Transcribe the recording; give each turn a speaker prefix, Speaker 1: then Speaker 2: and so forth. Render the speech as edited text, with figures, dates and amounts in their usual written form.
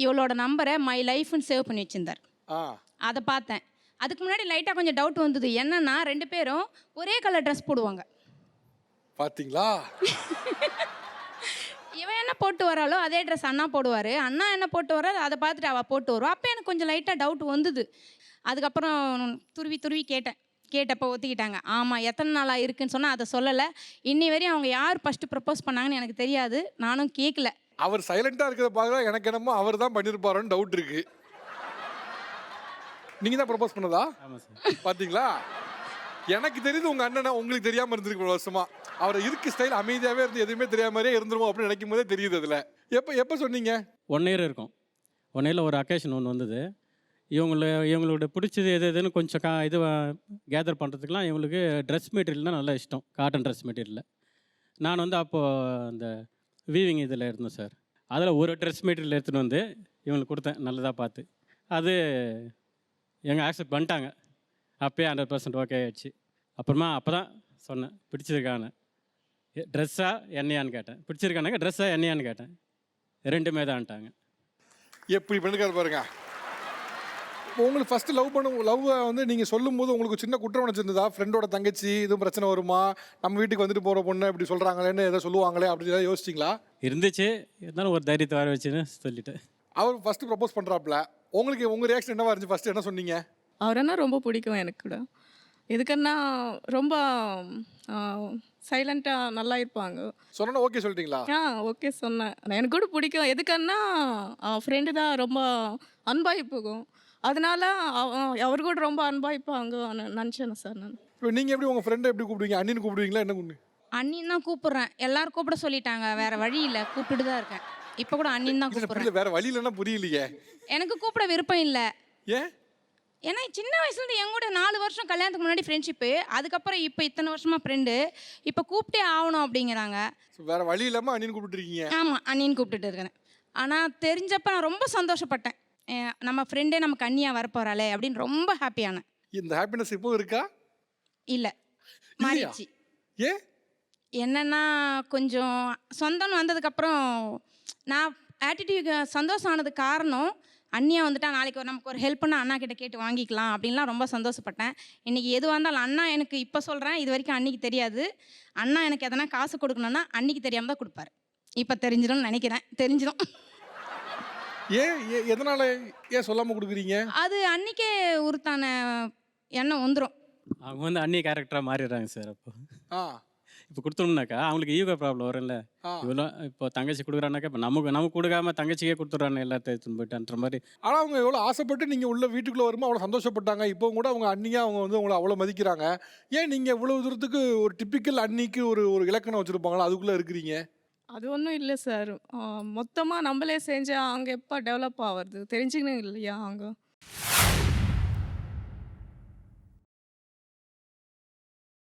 Speaker 1: இவளோட நம்பரை மை லைஃப்னு சேவ் பண்ணி வச்சிருந்தார்.
Speaker 2: ஆ
Speaker 1: அதை பார்த்தேன். அதுக்கு முன்னாடி லைட்டாக கொஞ்சம் டவுட் வந்தது. என்னன்னா 2 பேரும் ஒரே கலர் ட்ரெஸ் போடுவாங்க.
Speaker 2: பாத்தீங்களா?
Speaker 1: இவன் என்ன போட்டு வராளோ அதே ட்ரெஸ் அண்ணா போடுவார். அண்ணா என்ன போட்டு வராது அதை பார்த்துட்டு அவள் போட்டு வருவா. அப்போ எனக்கு கொஞ்சம் லைட்டாக டவுட் வந்தது. அதுக்கப்புறம் துருவி துருவி கேட்டப்போ ஒத்துக்கிட்டாங்க. ஆமாம், எத்தனை நாளாக இருக்குன்னு சொன்னால் அதை சொல்லலை. இன்னி வரையும் அவங்க யார் ஃபஸ்ட்டு ப்ரப்போஸ் பண்ணாங்கன்னு எனக்கு தெரியாது. நானும் கேட்கல.
Speaker 2: அவர் சைலண்டா இருக்கிறத பார்க்க எனக்கு என்னமோ அவர் தான் பண்ணிருப்பாரோன்னு டவுட் இருக்கு. நீங்க தான் ப்ரப்போஸ் பண்ணதா?
Speaker 3: ஆமாம் சார்.
Speaker 2: பாத்தீங்களா? எனக்கு தெரியுது உங்க அண்ணனை உங்களுக்கு தெரியாம இருந்திருக்கு இவ்வளவு வருஷமா. அவர் இருக்கு ஸ்டைல் அமைதியாவே இருந்து எதுவுமே தெரியாம மாதிரியே இருந்துருவோம் அப்படின்னு நினைக்கும் போதே தெரியுது. அதுல எப்போ சொன்னீங்க?
Speaker 3: 1 இயர் இருக்கும். 1 இயரில் ஒரு அக்கேஷன் ஒன்று வந்தது. இவங்களோட பிடிச்சது எதுன்னு கொஞ்சம் இது கேதர் பண்ணுறதுக்குலாம் இவங்களுக்கு ட்ரெஸ் மெட்டீரியல் தான் நல்லா இஷ்டம். காட்டன் ட்ரெஸ் மெட்டீரியலில் நான் வந்து அப்போது அந்த வீவிங் இதில் இருந்தேன் சார். அதில் ஒரு ட்ரெஸ் மெட்டீரியல் எடுத்துகிட்டு வந்து இவங்களுக்கு கொடுத்தேன் நல்லதாக பார்த்து. அது எங்கள் ஆக்செப்ட் பண்ணிட்டாங்க. அப்போயே 100% ஓகே ஆகிடுச்சு. அப்புறமா அப்போ தான் சொன்னேன் பிடிச்சிருக்கான்னு. ட்ரெஸ்ஸா என்னையான்னு கேட்டேன். பிடிச்சிருக்கானாங்க ட்ரெஸ்ஸா என்னையான்னு கேட்டேன். 2மே தான்ட்டாங்க.
Speaker 2: எப்படி பண்ணிருக்காரு பாருங்க. உங்களுக்கு ஃபர்ஸ்ட் லவ் வந்து நீங்கள் சொல்லும் போது உங்களுக்கு சின்ன குற்றம் நினச்சிருந்ததா? ஃப்ரெண்டோட தங்கச்சி எதுவும் பிரச்சனை வருமா, நம்ம வீட்டுக்கு வந்துட்டு போகிற பொண்ணு இப்படி சொல்கிறாங்களேன்னு எதை சொல்லுவாங்களே அப்படி ஏதாவது யோசிச்சிங்களா?
Speaker 3: இருந்துச்சு. இருந்தாலும் ஒரு தைரியத்தை வர வச்சுன்னு சொல்லிட்டேன்.
Speaker 2: அவர் ஃபர்ஸ்ட் ப்ரப்போஸ் பண்ணுறாப்புல உங்களுக்கு உங்கள் ரியாக்ஷன் என்னவா இருந்துச்சு? ஃபர்ஸ்ட் என்ன சொன்னீங்க?
Speaker 4: அவரைன்னா ரொம்ப பிடிக்கும் எனக்கு கூட. எதுக்குன்னா ரொம்ப சைலண்ட்டாக நல்லா இருப்பாங்க.
Speaker 2: சொன்னா ஓகே சொல்லிட்டீங்களா?
Speaker 4: ஓகே சொன்னேன். எனக்கு கூட பிடிக்கும். எதுக்குன்னா ஃப்ரெண்டு தான் ரொம்ப அன்பாகி போகும். அதனால அவர் கூட ரொம்ப அன்பாயிப்பாங்க நினச்சேன் சார் நான்.
Speaker 2: இப்போ நீங்கள் எப்படி உங்கள் ஃப்ரெண்டை எப்படி கூப்பிடுவீங்க? அண்ணின்னு கூப்பிடுவீங்களா என்ன கூப்பிடு?
Speaker 1: அண்ணின்னு தான் கூப்பிட்றேன். எல்லாரும் கூப்பிட சொல்லிட்டாங்க. வேறு வழி இல்லை, கூப்பிட்டுட்டு தான் இருக்கேன். இப்போ கூட அண்ணின்னு தான் கூப்பிட்றேன்.
Speaker 2: வேற வழி இல்லைன்னா புரியலையே.
Speaker 1: எனக்கு கூப்பிட விருப்பம் இல்லை.
Speaker 2: ஏன்?
Speaker 1: ஏன்னா சின்ன வயசுலேருந்து என் கூட 4 வருஷம் கல்யாணத்துக்கு முன்னாடி ஃப்ரெண்ட்ஷிப்பு. அதுக்கப்புறம் இப்போ இத்தனை வருஷமாக ஃப்ரெண்டு. இப்போ கூப்பிட்டே ஆகணும் அப்படிங்கிறாங்க.
Speaker 2: வேற வழி இல்லாமல் அண்ணின்னு கூப்பிட்டுருக்கீங்க?
Speaker 1: ஆமாம், அண்ணின்னு கூப்பிட்டுட்டு இருக்கிறேன். ஆனால் தெரிஞ்சப்போ நான் ரொம்ப சந்தோஷப்பட்டேன். நம்ம ஃப்ரெண்டே நமக்கு அண்ணியாக வரப்போகிறாளே அப்படின்னு ரொம்ப ஹாப்பியானேன்.
Speaker 2: இந்த ஹாப்பினஸ் இப்போ இருக்கா?
Speaker 1: இல்லை, மாறிடுச்சு.
Speaker 2: ஏன்?
Speaker 1: என்னென்னா கொஞ்சம் சொந்தம்னு வந்ததுக்கப்புறம் நான் ஆட்டிடியூட் சந்தோஷம் ஆனதுக்கு காரணம் அண்ணியாக வந்துட்டா நாளைக்கு நமக்கு ஒரு ஹெல்ப் பண்ணால் அண்ணா கிட்ட கேட்டு வாங்கிக்கலாம் அப்படின்லாம் ரொம்ப சந்தோஷப்பட்டேன். இன்றைக்கி எதுவாக இருந்தாலும் அண்ணா எனக்கு இப்போ சொல்கிறேன், இது வரைக்கும் அன்னிக்கு தெரியாது. அண்ணா எனக்கு எதனா காசு கொடுக்கணுன்னா அன்னிக்கு தெரியாமல் தான் கொடுப்பாரு. இப்போ தெரிஞ்சிடும்னு நினைக்கிறேன். தெரிஞ்சிடும்.
Speaker 2: ஏன் எதனால ஏன் சொல்லாமல் கொடுக்குறீங்க? அது
Speaker 1: அன்னிக்கே உருத்தான எண்ணம் வந்துடும்.
Speaker 3: அவங்க வந்து அந்நிய கேரக்டராக மாறிடுறாங்க சார். அப்போ
Speaker 2: ஆ
Speaker 3: இப்போ கொடுத்தோம்னாக்கா அவங்களுக்கு ஈகோ ப்ராப்ளம் வரும்ல. இவ்வளோ இப்போ தங்கச்சி கொடுக்குறானாக்கா இப்போ நமக்கு கொடுக்காம தங்கச்சிக்கே கொடுத்துட்றாங்க எல்லாத்தையும் எடுத்துன்னு போயிட்டுன்ற மாதிரி.
Speaker 2: ஆனால் அவங்க எவ்வளோ ஆசைப்பட்டு நீங்கள் உள்ள வீட்டுக்குள்ளே வரும்போது அவ்வளோ சந்தோஷப்பட்டாங்க. இப்போ கூட அவங்க அண்ணியாக அவங்க வந்து உங்களை அவ்வளோ மதிக்கிறாங்க. ஏன் நீங்கள் இவ்வளோ தூரத்துக்கு ஒரு டிப்பிக்கல் அன்னிக்கு ஒரு இலக்கணம் வச்சுருப்பாங்களா, அதுக்குள்ளே இருக்கிறீங்க?
Speaker 4: அது ஒன்றும் இல்லை சார். மொத்தமாக நம்மளே செஞ்சால் அங்கே எப்போ டெவலப் ஆகிறது தெரிஞ்சுக்கணும் இல்லையா? அங்கே